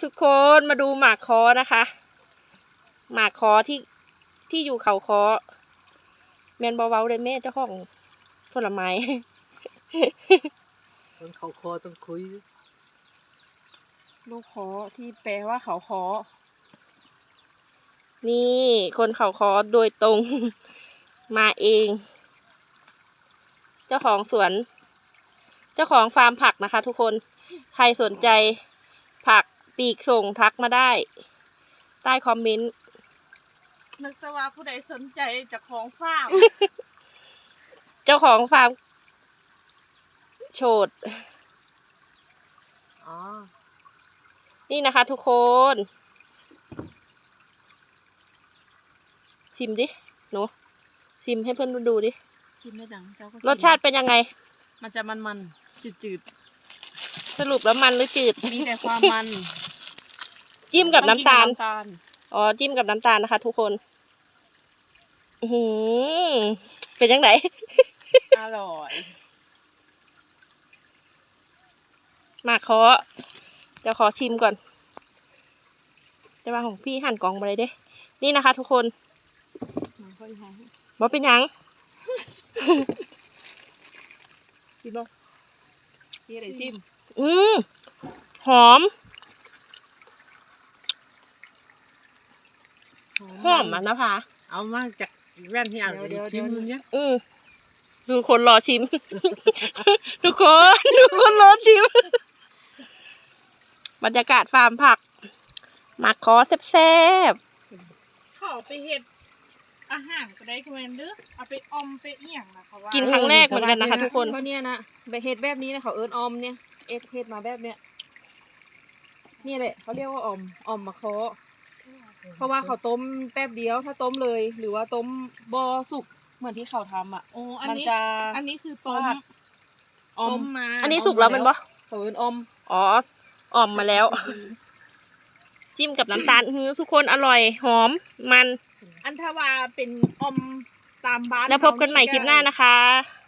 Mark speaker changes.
Speaker 1: ทุกคนมาดูหมากคอนะคะหมากคอที่อยู่เขาคอแมนเบาๆเลยแม่เจ้าของผลไม้
Speaker 2: คนเขาคอต้องคุย
Speaker 1: ลูกคอที่แปลว่าเขาคอนี่คนเขาคอโดยตรงมาเองเจ้าของสวนเจ้าของฟาร์มผักนะคะทุกคนใครสนใจผักปีกส่งทักมาได้ใต้คอมเมนต์
Speaker 3: นึกแต่ว่าผู้ใดสนใจจะของฟาร์ม
Speaker 1: เจ้าของฟาร์มโฉด
Speaker 2: อ๋อ
Speaker 1: นี่นะคะทุกคนชิมดิหนูชิมให้เพื่อนดูดิ
Speaker 3: ชิมไม่ดังเจ้าก็
Speaker 1: รสชาติเป็นยังไง
Speaker 3: มันจะมันๆจืด
Speaker 1: สรุปแล้วมันหรือจืด
Speaker 3: ๆมีแต่ความมัน
Speaker 1: จิ้มกับน้ำตาล
Speaker 3: ต้องกินกับน้ำตาล
Speaker 1: อ๋อจิ้มกับน้ำตาลนะคะทุกคนเป็นยังไง
Speaker 3: อร่อย
Speaker 1: มาขอจะขอชิมก่อนจะมาของพี่หั่นกล่องมาเลยเด้นี่นะคะทุกคน
Speaker 3: มันค่อยหอม
Speaker 1: ว่าเป็นยัง
Speaker 3: ชิมบ่พี่อะไรชิม
Speaker 1: หอมหอมอ่ะนะพา
Speaker 2: เอามาจากแว่นที่อ่านชิมเนี่ย
Speaker 1: ดูคนรอชิม ทุกคนรอชิม บรรยากาศฟาร์มผักหมักคอแซ่บ
Speaker 3: เขาเอาไปเฮ็ดอาหารก็ได้คือแม่นเด้อเอาไปออมไปเอี่ยงนะคะว่า
Speaker 1: ๆกินครั้งแรกเหมือนกันนะคะทุกคน
Speaker 4: ก็เนี่ยนะแบบเฮ็ดแบบนี้นะเขาเอิ้นออมเนี่ยเฮ็ดมาแบบเนี้ยนี่แหละเขาเรียกว่าออมมะเคาะเพราะว่าเขาต้มแป๊บเดียวถ้าต้มเลย หรือว่าต้มบอสุกเหมือนที่เขาทำอ่ะ
Speaker 3: โอ้อัน
Speaker 4: มัน
Speaker 3: นี้
Speaker 4: จะ
Speaker 3: อันนี้คือต้ม
Speaker 4: ฟาดออ
Speaker 3: ต้
Speaker 4: ม
Speaker 3: มมา
Speaker 1: อันนี้สุกแล้วมันปะ
Speaker 4: เขาเอิ้นออม
Speaker 1: อ๋ออ่อมมาแล้ว จิ้มกับน้ำตาลทุกคนอร่อยหอมมัน
Speaker 3: อันทว่าเป็นออมตามบ้าน
Speaker 1: แล้วพบกันใหม่คลิปหน้านะคะ